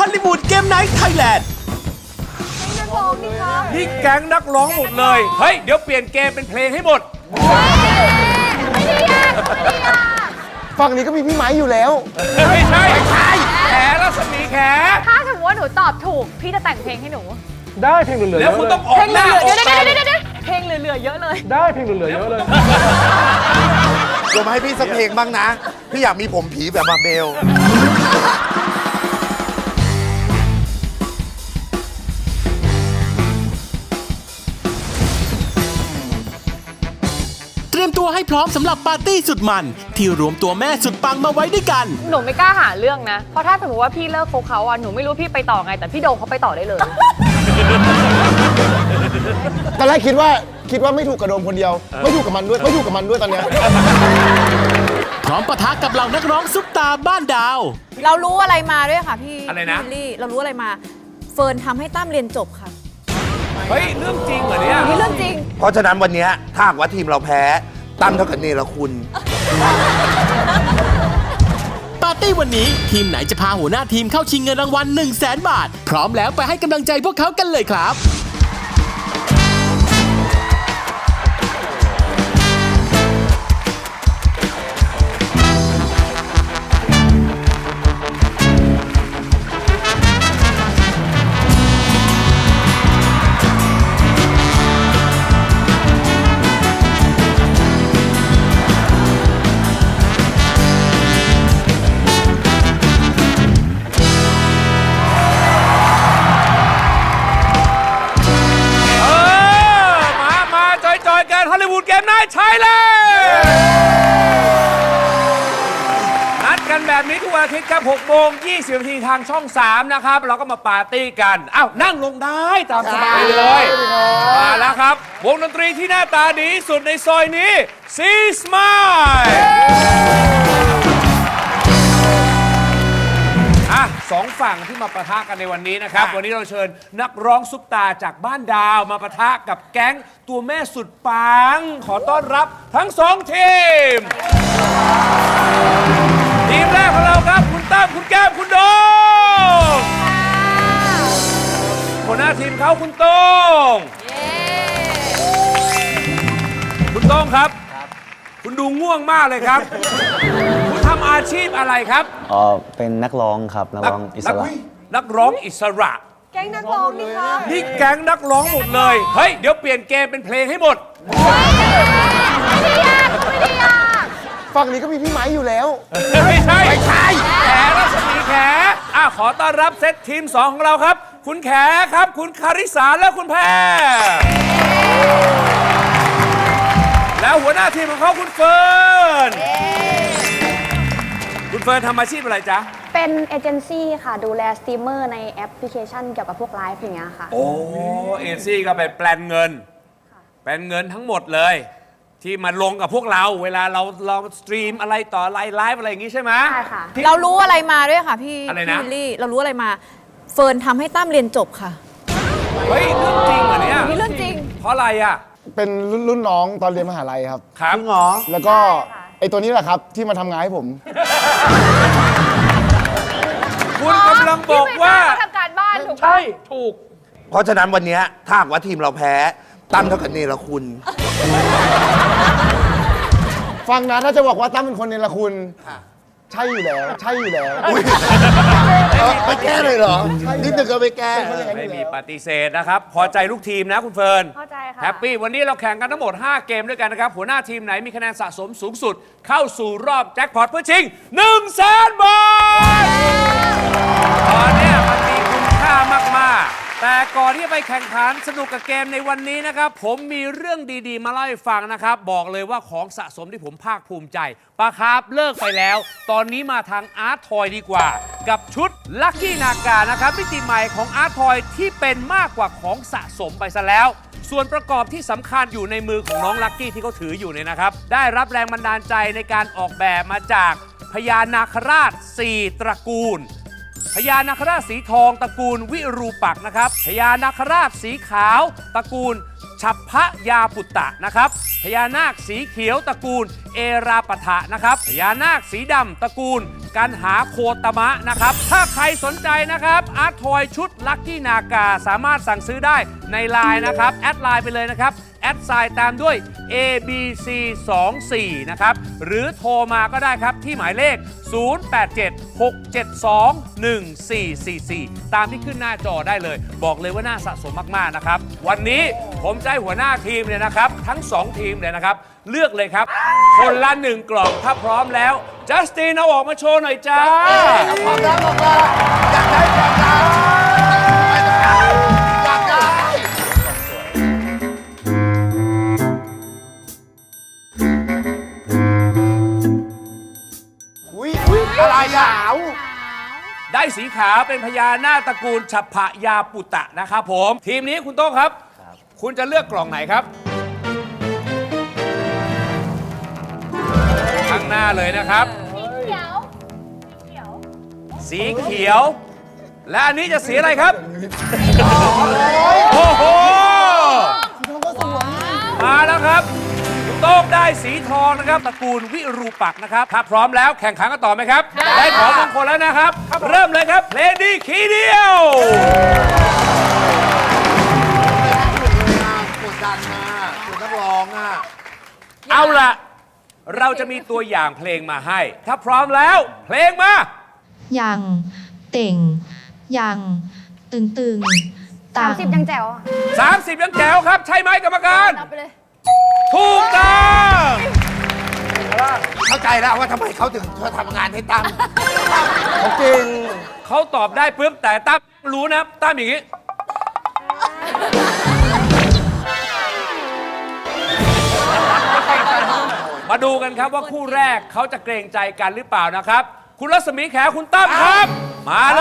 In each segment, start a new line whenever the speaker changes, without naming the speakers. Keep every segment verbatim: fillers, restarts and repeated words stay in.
อลลีวูดเกมไนท์ไทยแลนด์นี่แก๊งนักร้องหมดเลยเฮ้ยเดี๋ยวเปลี่ยนเกมเป็นเพลงให้หมด
ฝั่งนี้ก็มีพี่ไม้อยู่แล้ว
ไม่ใช่ไม่ใช่แขรัศมีแข
ถ้าสมมติว่าหนูตอบถูกพี่จะแต่งเพลงให้หนู
ได้เพลงเหลือๆ
แล้วคุณต้องออกหน้าออกตา
เพลงเหลือๆเยอะเลย
ได้เพลงเหลือๆเยอะเลย
เดี๋ยวมาให้พี่สักเพลงบ้างนะพี่อยากมีผมผีแบบมาเบล
เตรียมตัวให้พร้อมสำหรับปาร์ตี้สุดมันที่รวมตัวแม่สุดปังมาไว้ด้วยกัน
หนูไม่กล้าหาเรื่องนะเพราะถ้าสมมติว่าพี่เลิกคบเขาอ่ะหนูไม่รู้พี่ไปต่อไงแต่พี่โดมเขาไปต่อได้เลย
ตอนแรกคิดว่าคิดว่าไม่ถูกกับโดมคนเดียวไม่ถูกกับมันด้วยไม่ถูกกับมันด้วยตอนเนี้ย
พร้อมปะทะกับเหล่านักร้องซุปตาบ้านดาว
เรารู้อะไรมาด้วยค่ะพี่
อะไรนะ
พี่ลี่เรารู้อะไรมาเฟิร์นทำให้ตั้มเรียนจบค่ะ
เฮ้ยเรื่องจริงเหรอเนี่ย
นี่เรื่องจริง
เพราะฉะนั้นวันนี้ถ้าหากว่าทีมเราแพ้ตั้มเท่ากับเนรคุณ
ปาร์ตี้วันนี้ทีมไหนจะพาหัวหน้าทีมเข้าชิงเงินรางวัล หนึ่งแสน บาทพร้อมแล้วไปให้กำลังใจพวกเขากันเลยครับฮอลลีวูดเกมไนท์ไทยแลนด์นัดกันแบบนี้ทุกวันอาทิตย์ครับหกโมงยี่สิบนาทีทางช่องสามนะครับเราก็มาปาร์ตี้กันอ้าวนั่งลงได้ตามสบายเลยมาแล้วครับวงดนตรีที่หน้าตาดีสุดในซอยนี้ซีสมายอ่ะสองฝั่งที่มาปะทะกันในวันนี้นะครับวันนี้เราเชิญนักร้องซุปตาจากบ้านดาวมาปะทะกับแก๊งตัวแม่สุดปังขอต้อนรับทั้งสองทีมทีมแรกของเราครับคุณตั้มคุณแก้มคุณโดมหัวหน้าทีมเขาคุณโต้งคุณโต้งครับคุณดูง่วงมากเลยครับคุณทำอาชีพอะไรครับ
อ๋อเป็นนักร้องครับนักร้องอิสระ
นักร้องอิสระ
แก๊งนักร้องนี่คะ
นี่แก๊งนักร้องหมดเลยเฮ้ยเดี๋ยวเปลี่ยนเกมเป็นเพลงให้หมด
ฝั่งนี้ก็มีพี่ไม้อยู่แล้ว
ไม่ใช่ไม่ใช่แขรัศมีแขอ่ะขอต้อนรับเซตทีมสองของเราครับคุณแขครับคุณคาริสาและคุณแพรแล้วหัวหน้าทีมของเขาคุณเฟิร์นคุณเฟิร์นทำอาชีพอะไรจ๊ะ
เป็นเอเจนซี่ค่ะดูแลสตรีมเมอร์ในแอปพลิเคชันเกี่ยวกับพวกไลฟ์อย่างเงี้ยค่ะ
โอ้เอเจนซี่ก็ไปแปลนเงินแปลนเงินทั้งหมดเลยที่มาลงกับพวกเราเวลาเราเราสตรีมอะไรต่อไลฟ์ไลฟ์อะไรอย่างงี้ใช่ไหม
ใช่ค่ะ
เรารู้อะไรมาด้วยค่ะพี่
อะไรนะ
พี่ลี่เรารู้อะไรมาเฟิร์นทำให้ตั้มเรียนจบค่ะ
เฮ้ยเรื่องจริงเหรอเนี่ย
นี่เรื่องจริง
เพราะอะไรอ่ะ
เป็นรุ่นน้องตอนเรียนมหาลัยครับ
ครับ
เหรอแล้วก็ไอตัวนี้แหละครับที่มาทำงานให้ผม
คุณกำลังบอกว่า
ทำการบ้านถูก
ใช่ถูก
เพราะฉะนั้นวันนี้ถ้าหากว่าทีมเราแพ้ตั้มเท่ากับเนรคุณ
ฟังนะถ้าจะบอกว่าตั้มเป็นคนเนรคุณใช่อยู่แล้วใช่อยู่แล้ว
ไปแก้เลยเหรอนิดนึงก็ไปแก้
ไม่มีปฏิเสธนะครับพอใจลูกทีมนะคุณเฟิร์น
พอใจค่ะ
แฮปปี้วันนี้เราแข่งกันทั้งหมดห้าเกมด้วยกันนะครับหัวหน้าทีมไหนมีคะแนนสะสมสูงสุดเข้าสู่รอบแจ็คพอตเพื่อชิง หนึ่งแสน บาทตอนนี้มันมีคุณค่ามากๆแต่ก่อนที่จะไปแข่งขันสนุกกับเกมในวันนี้นะครับผมมีเรื่องดีๆมาเล่าให้ฟังนะครับบอกเลยว่าของสะสมที่ผมภาคภูมิใจปะครับเลิกไปแล้วตอนนี้มาทางอาร์ตทอยดีกว่ากับชุดลัคกี้นากานะครับมิติใหม่ของอาร์ตทอยที่เป็นมากกว่าของสะสมไปซะแล้วส่วนประกอบที่สำคัญอยู่ในมือของน้องลัคกี้ที่เขาถืออยู่เนี่ยนะครับได้รับแรงบันดาลใจในการออกแบบมาจากพญานาคราชสี่ตระกูลพญานาคราชสีทองตระกูลวิรูปักษ์นะครับพญานาคราชสีขาวตระกูลฉัพพยาปุตตะนะครับพญานาคสีเขียวตระกูลเอราปะทะนะครับพญานาคสีดำตระกูลกันหาโคตมะนะครับถ้าใครสนใจนะครับอาร์ตทอยชุดลัคกี้นากาสามารถสั่งซื้อได้ในไลน์นะครับแอดไลน์ไปเลยนะครับแอดไซน์ตามด้วย เอ บี ซี สองสี่ นะครับหรือโทรมาก็ได้ครับที่หมายเลข ศูนย์ แปด เจ็ด หก เจ็ด สอง หนึ่ง สี่ สี่ สี่ ตามที่ขึ้นหน้าจอได้เลยบอกเลยว่าน่าสะสมมากๆนะครับวันนี้ผมจะให้หัวหน้าทีมเนี่ยนะครับทั้งสองทีมเนี่ยนะครับเลือกเลยครับคนละหนึ่งกล่องถ้าพร้อมแล้วจัสตินเอาออกมาโชว์หน่อยจ้า
พร้อมแล้วบอกว่าอยากได้อยากได้อยากได้อุ้ยอะไรอ่ะ
ได้สีขาวเป็นพญานาคตระกูลฉัพพยาปุตตะนะครับผมทีมนี้คุณโต้งครับ คุณจะเลือกกล่องไหนครับ ข้างหน้าเลยนะครับ สีเขียว และอันนี้จะสีอะไรครับ โอ้โห มาแล้วครับคุณโต้งได้สีทองนะครับตระกูลวิรูปักษ์นะครับถ้าพร้อมแล้วแข่งขันกันต่อไหมครับ ได้ของมงคลแล้วนะครับ เริ่มเลยครับเพลงดีคีย์เดียว
กดดันมาคุณนักร้องอ่ะ
เอาล่ะ เราจะมีตัวอย่างเพลงมาให้ ถ้าพร้อมแล้วเพลงมา
ยังเต่งยังตึงตึงต่าง
สามสิบยังแจ๋วอะ
สามสิบยังแจ๋วครับ ใช่ไหมกรรมการ
เอาไปเลย
ถูกต้อง
เข้าใจแล้วว่าทำไมเขาถึงเขาทำงานให้ตั้ม
เขาเก่ง
เขาตอบได้ปุ๊บแต่ตั้มรู้นะตั้มอย่างนี้ มาดูกันครับว่าคู่แรกเขาจะเกรงใจกันหรือเปล่านะครับ คุณรัศมีแขคุณตั้มครับ มาเลย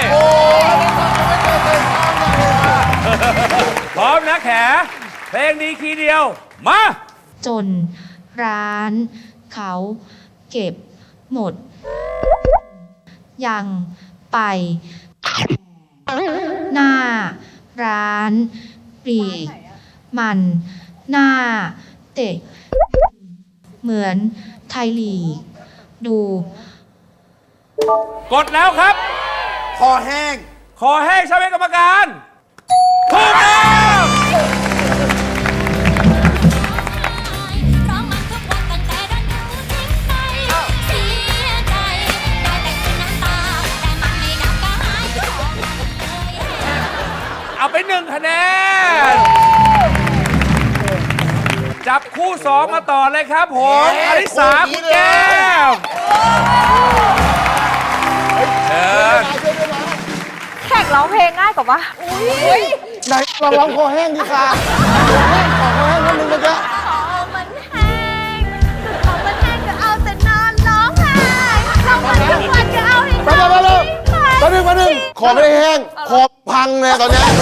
พร้อมนะแขเพลงนี้คีย์เดียว มา
จนร้านเขาเก็บหมด ยังไป หน้าร้านปลีกมันหน้าเตะเหมือนไทยลีกดู
กดแล้วครับ
คอแห้ง
ขอแห้งใช่ไหมกรรมการถูกต้อง
ร้องมันทุกวันตั้งแต่ดันดูทิ้งไปเสียใจได้แต่กินน้ำตาแต่มันไม่ดับกายของเลย
เอาไปหนึ่งคะแนน จับคู่สองมาต่อเลยครับผมอลิสาคุณแก้มเชิญ
แขกร้องเพลงง่ายกว่าปะ
ไหนลองร้องคอแห้งดีค่ะขอคอแห้งนิดนึงนะจ๊ะ
ขอมันแห้งขอมันแห้งก็เอาแต่นอนร้องไห้ร้องมันทุกวันก็เอาให้
ไปไปไปเลยแป๊บนึงแป๊บนึงขอไม่ได้แห้งคอพังเลยตอนเนี้ย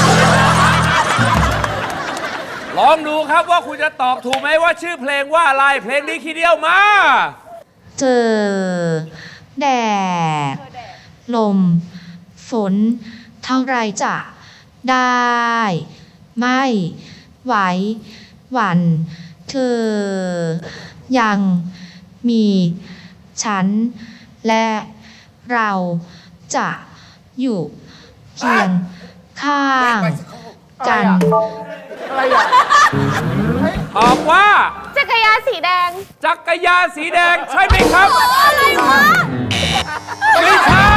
ลองดูครับว่าคุณจะตอบถูกไหมว่าชื่อเพลงว่าอะไร เพลงนี้คีย์เดียวมา
เจอแดดลม ฝน เท่าไรจะได้ ไม่ไหวหวั่นเธอ ยังมีฉัน และเราจะอยู่เคียงข้างกัน
ตอบว่า
จักรยานสีแดง
จักรยานสีแดงใช่ไหมครับ
อะไรวะ
ไม่ใช่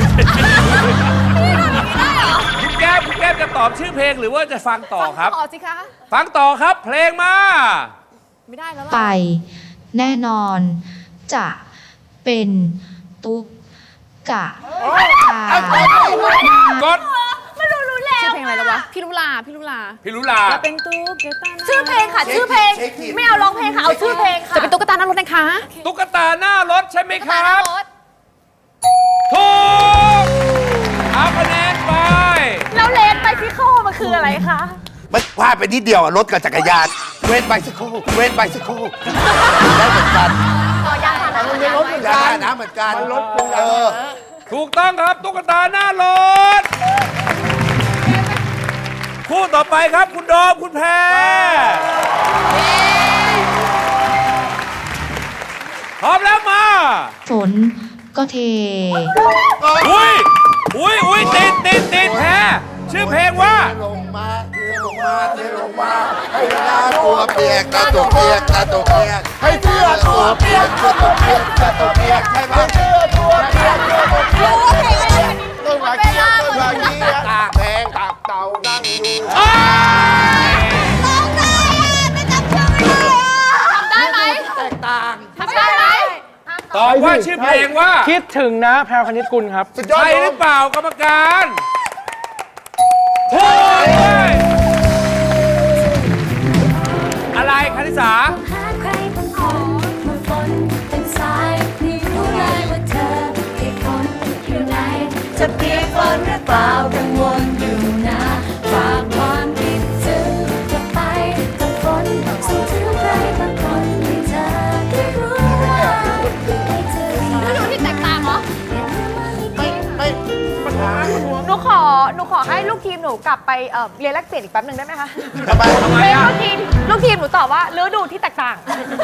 คุณแก้มคุณแก้มจะตอบชื่อเพลงหรือว่าจะฟังต่อครับ
ต่อสิคะ
ฟังต่อครับเพลงมา
ไม่ได้แล้ว
ไป
ล่ะ
แน่นอนจะเป็นตุ๊กกะตา
กด
ชื่อเพลงอะไรแล้ววะ พี่ลุลา พี่ลุลา
พิรุลา
จะเป็นตุ๊กตาชื่อเพลงค่ะ ชื่อเพลง ไม่เอาร้องเพลงค่ะ เอาชื่อเพลงค่ะ จะเป็นตุ๊กตาหน้ารถนะคะ
ตุ๊กตาหน้ารถใช่ไหมค
ตา
รั
หน้า
บ
รถ
ถูกเอาคะแนนไป
แล้วเลนไปที่โคมันคืออะไรคะ
ไม่พลาดไปนิดเดียวอะรถกับจักรยาน เว้นไปสักครู่เว้นไปสักครู่ได้เหมือนกัน
ต่อยางผ่านรถ
มันเป็นรถเหมือน
ยา
กัน
นะเหมือนกัน
มันรถเป็น
เออ
ถูกต้องครับตุ๊กตาหน้ารถ คู่ต่อไปครับคุณโดมคุณแพรพร้อมแล้วมา
ฝนก็เท
อุ้ยอุ้ยอุ้ยติดติดติดแพรชื่อเพลงว่า
ลงมาเทลงมาเทลงมาให้หน้าตัวเปียกตาตัวเปียกตาตัวเปียกให้เสื้อตัวเปียกตัวตัวเปียกตาตัวเปียกใช่ไหมเสื้อตัวเปียกตัวตัวเปียกต้นมาเกียต้นมาเกียตากแดงตากเต่านั่งอยู่
ได้ไหม
แตกต่าง
ทำได้ไหม
ตอบว่าชื่อเพลงว่า
คิดถึงนะแพรวคณิตกุลครับ
ใช่หรือเปล่ากรรมการถูกเลยอะไรคณิสา
หาใครบางคนมาฝนเป็นสายนี่รู้เลยว่าเธอเปียกฝนอยู่ไหนจะเปียกฝนหรือเปล่ากังวลอยู่นะฝากความคิดถึงกลับไปกับฝนส่งถึงใครบางคนให้เธอได้รู้ว่าให้เธอได้
ดูที่แตกต่างเหรอ
ไม่ไม่ปัญหา
หนูขอ หนูขอให้ลูกทีมหนูกลับไปเอ่อเรียนแลกเปลี่ยนอีกแป๊บหนึ่งได้ไหมคะ
ทำไมทำไม
เรียน
อ่ะ
ลูกทีม ลูกทีมหนูตอบว่าฤดูที่แตกต่าง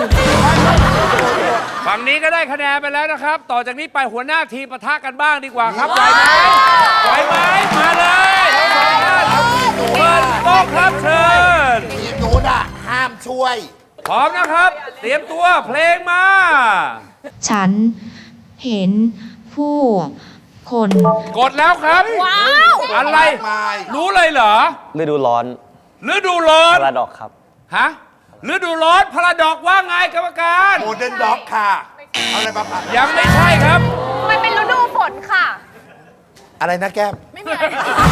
ฝั่งนี้ก็ได้คะแนนไปแล้วนะครับ ต่อจากนี้ไปหัวหน้าทีมปะทะกันบ้างดีกว่าครับไหวไหมไหวไหมมาเลยทั้งสองท่านเปิดโต๊ะครับเชิญ
ทีมนู้นอ่ะห้ามช่วย
พร้อมนะครับ เตรียมตัวเพลงมา
ฉันเห็นผู้คน
กดแล้วครับ
ว้าว
อะไร
มาย
รู้เลยเหรอ
ฤดูร้อน
ฤดูร้อน
พาราดอกครับ
ฮะฤดูร้อนพาราดอกว่าไงกรรมการ
โมเดิร์นด็อกค่ะ เอาอะไรมาผัด
ยังไม่ใช่ครับ
มันเป็นฤดูฝนค่ะ
อะไรนะแก้ม
ไม่มีอะไร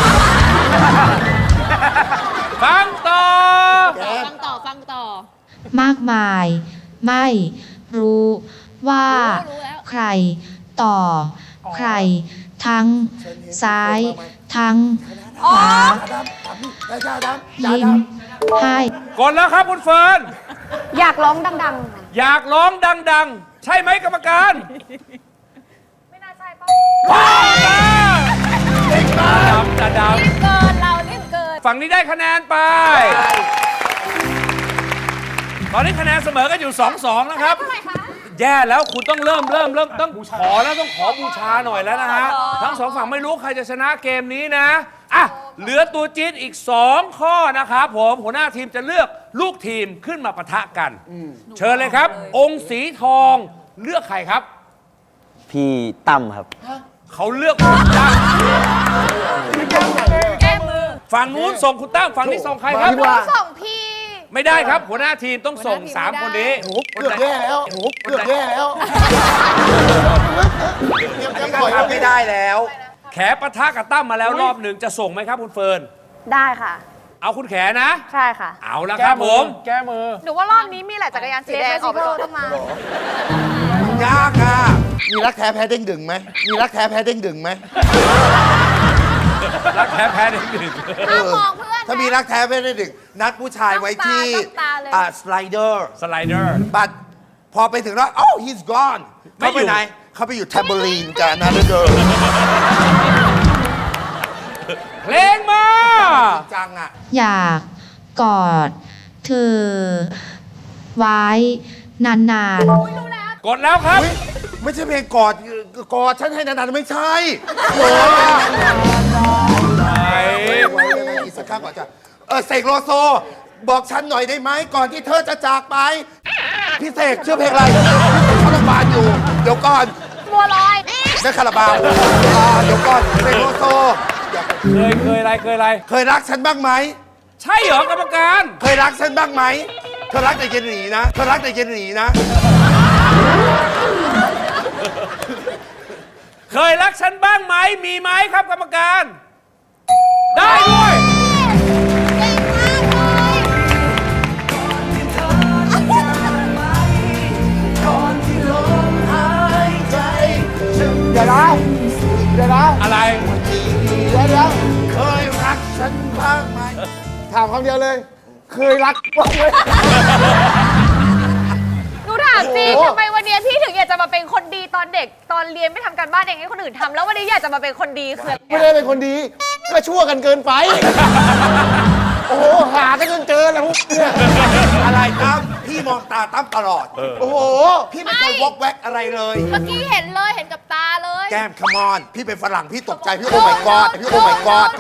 ฟังต่อ
ฟังต่อ ฟังต่อ
มากมาย ไม่รู้ว่า
รู้แล้ว
ใครต่อ ใคร ทั้งซ้าย ทั้งขวายิ้มให้
กดแล้วครับคุณเฟิร์น
อยากร้องดังๆค่ะ
อยากร้องดังๆ ใช่ไหมกรรมการ
ไม่น่าใช่ป่ะ
พ่อมาดำจะด
เกิน เรารีบเกิน
ำฝั่งนี้ได้คะแนนไป ตอนนี้คะแนนเสมอกันอยู่ สองสอง นะครับ แย่แล้วคุณต้องเริ่มเริ่มเริ่มต้องขอแล้วต้องขอบูชาหน่อยแล้วนะฮะ ทั้งสองฝั่งไม่รู้ใครจะชนะเกมนี้นะ อ่ะ เหลือตัวจี๊ดอีก สอง ข้อนะครับผมหัวหน้าทีมจะเลือกลูกทีมขึ้นมาปะทะกัน เชิญเลยครับ องค์สีทองเลือกใครครับ
พี่ตั้มครับ
เขาเลือกคุณตั้มฝั่งนู้นส่งคุณตั้มฝั่งนี้ส่งใครครับ
ที่ว่า
ส่งพี่
ไม่ได้ครับ หัวหน้าทีมต้องส่ง
หัวหน้าทีม
สาม คนนี้
เกือบแย่แล้วเกือบแย่แล้วเตรียมเตรียมปล่อย
ทำไม่ได้แล้ว
แขปะทะกับตั้มมาแล้วรอบหนึ่งจะส่งไหมครับคุณเฟิร์น
ได้ค่ะ
เอาคุณแขนะ
ใช่ค่ะ
เอาละครับผม
แก้มือ
หนูว่ารอบนี้มีแหละจักรยานสีแดงออกไปก่อน
ต้องมา
ยากอ่ะ มีรักแท้แพ้เด้งดึงไหม มีรักแท้แพ้เด้งดึงไหม
รักแพ้แพ้หนึ่งหนึ่ง
ห้ามมองเพื่อน
ถ้ามีรักแท้แพ้เด้งดึง นัดผู้ชายไว้ที่
ต้องตาเลย
อ่าสไลเดอร์
สไลเดอร์
บัตพอไปถึงแล้ว oh he's gone
ไม่
เขา
อยู่
ไปไหน เขาไปอยู่แทมเบอรีนกับนัดเดอร์
เพลงมา
จังอ่ะ
อยากกอดเธอ ไว้นาน
กดแล้วครับ
เฮ้ย ไม่ใช่เพลงกอด กอดฉันให้นานๆไม่ใช่โอ้ยอีกสักครั้งก่อนจะเออเสกโลโซ บอกฉันหน่อยได้ไหม ก่อนที่เธอจะจากไป พี่เสกชื่อเพลงอะไรคาราบาวอยู่ เดี๋ยวก่อน
บัวลอย
นั่นคาราบาวอ่าเดี๋ยวก่อนเสกโลโซ
เคยเคยอะไรเคยอะไร
เคยรักฉันบ้างไหม
ใช่เหรอกรรมการ
เคยรักฉันบ้างไหม เธอรักแต่เย็นหนีนะ เธอรักแต่เย็นหนีนะ
เคยรักฉันบ้างไหมมีไหมครับกรรมการ ได้ด้วย
เดี๋ยวนะเดี๋ยวนะ
อะไร
เดี๋ยวเดี๋ยว
เคยรักฉันบ้างไหม
ถามคำเดียวเลย เคยรักบ้างไหม
หนูถามจริง
โอ้โห
ทำไมวันนี้พี่ถึงอยากจะมาเป็นคนดีตอนเด็ก ตอนเรียนไม่ทำการบ้านเองให้คนอื่นทำแล้ววันนี้อยากจะมาเป็นคนดีคืออะไร
ไม่ได้เป็นคนดี ก็ชั่วกันเกินไปโอ้โห หากันจนเจอแล้วพวกเนี่ย
อะไรตั้มพี่มองตาตั้มตลอด
โอ้โห
พี่ไม่เคยวอกแวกอะไรเลย
เมื่อกี้เห็นเลยเห็นกับตาเลย
แก้มคัมออนพี่เป็นฝรั่งพี่ตกใจพี่โอ้ my god พี่โอ้ my god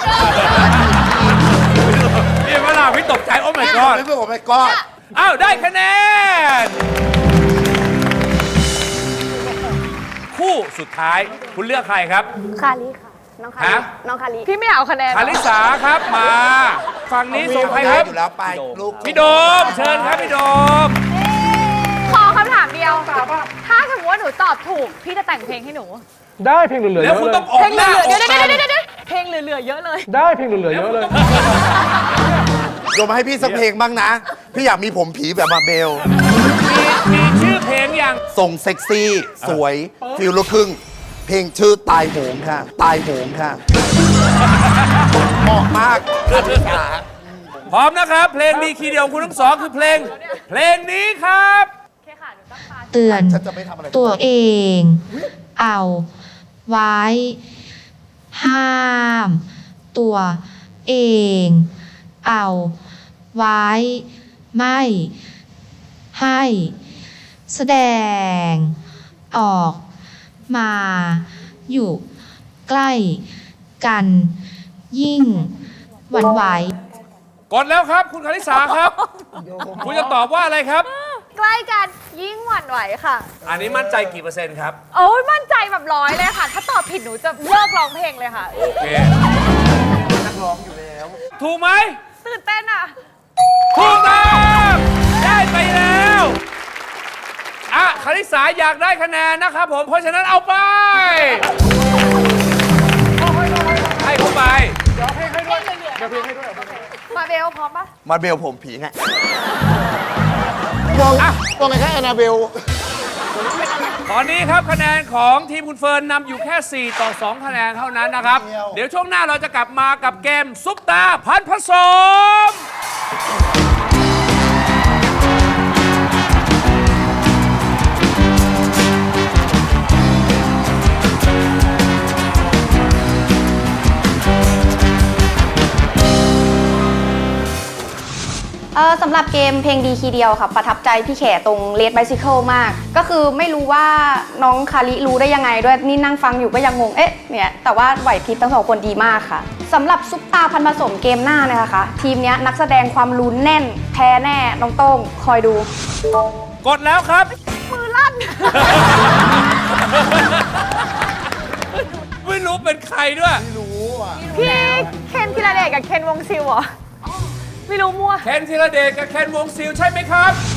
นี่เวลาพี่ตกใจโอ้ my
พี่
god
โอ้ my god
อ้าว ได้คะแนน คู่สุดท้ายคุณเลือกใครครับ
คาริค่ะ น้องคาริ
ฮะ
น้องคาริ
พี่ไม่เอาคะแนน
คาริสาครับมา ฝั่งนี้ส่งใครครับ
อยู่แล้วไปลูก
พี่โดม เชิญครับพี่โดม
ขอคำถามเดียว ถ้าสมมติว่าหนูตอบถูก พี่จะแต่งเพลงให้หนู
ได้เพลงเหลือๆ
แล้
เยว อะ
คุณ
เล
ต้อง
ย
ออก
เพลง
ห
เห
น้า
ลือๆ
อ
เดี๋ยว
อก
เดี๋ยว
ตา
เดี๋ยวเดี๋ยวเพลงเหลือๆเยอะเลย
ได้เพลงเหลือๆเยอะเลย
โยมมาให้พี่สักเพลงบ้างนะ พี่อยากมีผมผีแบบมาเบล
มีมีชื่อเพลงอย่าง
ทรงเซ็กซี่ สวย ฟิลลูกครึ่ง เพลงชื่อตายโหงค่ะ ตายโหงค่ะ เหมาะมากคาริสา
พร้อมนะครับ เพลงดีคีย์เดียวของคุณทั้งสองคือเพลง เพลงนี้ครับ
เตือน
ฉันจะไม่ทำอะไร
ตัวเอง เอาไว้ ห้าม ตัวเอง เอาไว้ ไม่ให้ แสดง ออกมา อยู่ใกล้กัน ยิ่งหวั่นไหว
กดแล้วครับ คุณคาริสาครับ คุณจะตอบว่าอะไรครับ
ใกล้กันยิ่งหวั่นไหวค่ะ
อันนี้มั่นใจกี่เปอร์เซ็นต์ครับ
โอ้ยมั่นใจแบบร้อยเลยค่ะ ถ้าตอบผิดหนูจะเลิกร้องเพลงเลยค่ะ
โอเค นักร้องอยู่แล้ว ถูกไหม
ตื่นเต้นอ่ะ
ถูกต้องได้ไปแล้วอ่ะคาริสาอยากได้คะแนนนะครับผม เพราะฉะนั้นเอาไป ให้เข้าไป
มาเบลพร้อมปะ
มาเบลผมผีไง
มองมองไงคะแอนนาเบล
ตอนนี้ครับคะแนนของทีมคุณเฟิร์นนำอยู่แค่ สี่ ต่อ สอง คะแนนเท่านั้นนะครับ เดี๋ยวช่วงหน้าเราจะกลับมากับเกมซุปตาพันผสม
เออสำหรับเกมเพลงดีคีย์เดียวค่ะ ประทับใจพี่แขตรงเลดไบซิเคิลมาก ก็คือไม่รู้ว่าน้องคาริรู้ได้ยังไงด้วย นี่นั่งฟังอยู่ก็ยังงง เอ๊ะ เนี่ย แต่ว่าไหวพริบทั้งสองคนดีมากค่ะสำหรับซุปตาพันผสมเกมหน้าเนี่ยนะคะทีมเนี้ยนักแสดงความลุ้นแน่น แพ้แน่ น้องโต้งคอยดู
กดแล้วครับ
มือลั่น
ไม่รู้เป็นใครด้วย
พี่เคนธีรเดชกับเคนวงซิลเหรอ ไม่รู้มั่ว
เคนธีรเดชกับเคนวงซิลใช่ไหมครับ